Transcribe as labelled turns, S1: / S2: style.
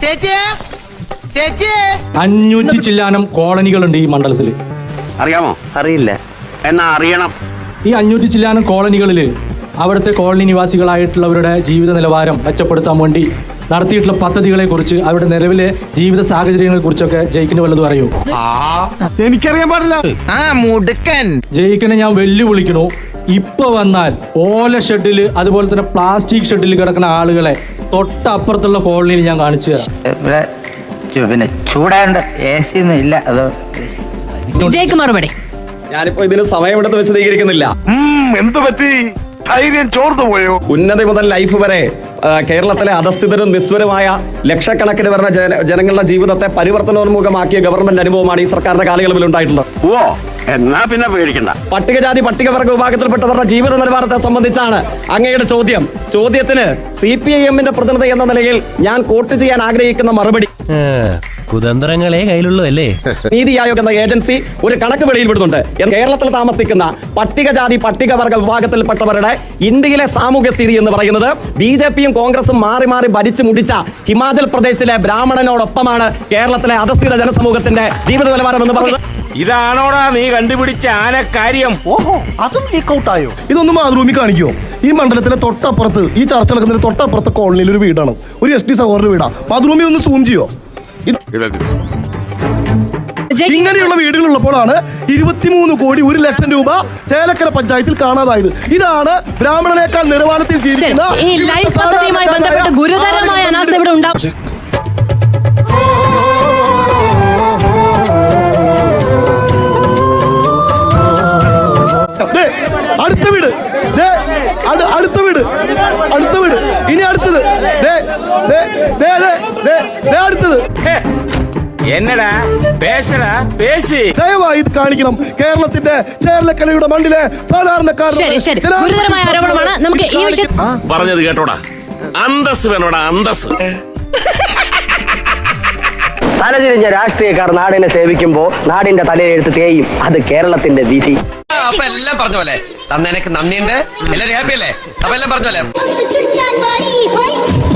S1: 500 ചില്ലാനം കോളനികളുണ്ട് ഈ മണ്ഡലത്തിൽ.
S2: അറിയാമോ? അറിയില്ല, എന്നാ അറിയണം.
S1: ഈ 500 ചില്ലാനം കോളനികളിൽ അവിടുത്തെ കോളനി നിവാസികളായിട്ടുള്ളവരുടെ ജീവിത നിലവാരം മെച്ചപ്പെടുത്താൻ വേണ്ടി നടത്തിയിട്ടുള്ള പദ്ധതികളെ കുറിച്ച്, അവരുടെ നിലവിലെ ജീവിത സാഹചര്യങ്ങളെ കുറിച്ചൊക്കെ ജയിക്കിന് വല്ലതും അറിയോ?
S3: എനിക്കറിയാൻ പാടില്ല.
S1: ജയിക്കിനെ ഞാൻ വെല്ലുവിളിക്കണു. ഇപ്പൊ വന്നാൽ ഓല ഷെഡില്, അതുപോലെ തന്നെ പ്ലാസ്റ്റിക് ഷെഡിൽ കിടക്കുന്ന ആളുകളെ തൊട്ടപ്പുറത്തുള്ള കോളനിയിൽ ഞാൻ കാണിച്ചു തരാം.
S2: പിന്നെ ചൂടാണ്ട് AC ഒന്നും ഇല്ല. അത്
S4: ജയിക്ക് മറുപടി.
S5: ഞാനിപ്പോ ഇതിന് സമയമെടുത്ത് വിശദീകരിക്കുന്നില്ല.
S3: എന്ത് പറ്റി? ധൈര്യം ചോർന്നു പോയോ?
S5: ഉന്നതി മുതൽ ലൈഫ് വരെ കേരളത്തിലെ അധസ്ഥിതരും നിസ്വരമായ ലക്ഷക്കണക്കിന് വരുന്ന ജനങ്ങളുടെ ജീവിതത്തെ പരിവർത്തനോന്മുഖമാക്കിയ ഗവൺമെന്റ് അനുഭവമാണ് ഈ സർക്കാരിന്റെ കാലയളവിൽ ഉണ്ടായിട്ടുള്ളത്.
S2: ഓ, എന്നാ പിന്നെ പേടിക്കണ്ട.
S5: പട്ടികജാതി പട്ടികവർഗ വിഭാഗത്തിൽപ്പെട്ടവരുടെ ജീവിത നിലവാരത്തെ സംബന്ധിച്ചാണ് അങ്ങയുടെ ചോദ്യം. ചോദ്യത്തിന് CPIM-ന്റെ പ്രതിനിധി എന്ന നിലയിൽ ഞാൻ കോട്ട് ചെയ്യാൻ ആഗ്രഹിക്കുന്ന മറുപടി,
S6: കുതന്ത്രങ്ങളെ കയ്യിലുള്ളൂ അല്ലേ?
S5: നീതി ആയോഗ് എന്ന ഏജൻസി ഒരു കണക്ക് വെളിയിൽപ്പെടുന്നുണ്ട്. കേരളത്തിൽ താമസിക്കുന്ന പട്ടികജാതി പട്ടികവർഗ വിഭാഗത്തിൽപ്പെട്ടവരുടെ ഇന്ത്യയിലെ സാമൂഹ്യ സ്ഥിതി എന്ന് പറയുന്നത് BJPയും കോൺഗ്രസും മാറി മാറി ഭരിച്ചു മുടിച്ച ഹിമാചൽ പ്രദേശിലെ ബ്രാഹ്മണനോടൊപ്പമാണ് കേരളത്തിലെ അധസ്ഥിത ജനസമൂഹത്തിന്റെ ജീവിത നിലവാരം എന്ന് പറയുന്നത്.
S7: ഇതാണോടാ നീ കണ്ടുപിടിച്ച ആനക്കാര്യം?
S3: ഓഹോ, അതും ലീക്ക് ഔട്ട് ആയോ? ഇതൊന്നും മാതൃഭൂമി കാണിക്കോ? ഈ മണ്ഡലത്തിലെ തൊട്ടപ്പുറത്ത്, ഈ ചർച്ച നടക്കുന്നതിന് തൊട്ടപ്പുറത്തെ കോളനിയിൽ ഒരു വീടാണ്, ഒരു SD സഹോദരന്റെ വീടാ. മാതൃഭൂമി ഒന്ന് സൂം ചെയ്യോ? ഇങ്ങനെയുള്ള വീടുകൾ ഉള്ളപ്പോഴാണ് 23 കോടി 1 ലക്ഷം രൂപ ചേലക്കര പഞ്ചായത്തിൽ കാണാതായത്. ഇതാണ് ബ്രാഹ്മണനേക്കാൾ നിലവാരത്തിൽ ജീവിക്കുന്ന
S4: ഈ ലൈഫ് പദ്ധതിയുമായി ബന്ധപ്പെട്ട് ഗുരുതരമായ അനാസ്ഥ ഇവിടെ ഉണ്ടാവും.
S3: അടുത്ത വീട്, അടുത്ത വീട്, അടുത്ത വീട്, ഇനി അടുത്തത്, അടുത്തത്.
S7: എന്നടാ പേശടാ പേശി.
S3: ദയവായി ഇത് കാണിക്കണം. കേരളത്തിന്റെ ചേർലക്കലയുടെ മണ്ണിലെ സാധാരണക്കാരൻ.
S4: ഗുരുതരമായ ആരോപണമാണ്. നമുക്ക് ഈ വിഷയം
S7: പറഞ്ഞത് കേട്ടോടാ. അന്തസ് വേണോടാ, അന്തസ്.
S2: തലതിരിഞ്ഞ രാഷ്ട്രീയക്കാർ നാടിനെ സേവിക്കുമ്പോ നാടിന്റെ തലയെഴുത്ത് തേയും. അത് കേരളത്തിന്റെ വിധി.
S8: അപ്പൊ എല്ലാം പറഞ്ഞ പോലെ തന്നെ എനിക്ക് നന്ദിയുണ്ട്. എല്ലാവരും ഹാപ്പി അല്ലേ? അപ്പൊ എല്ലാം പറഞ്ഞ പോലെ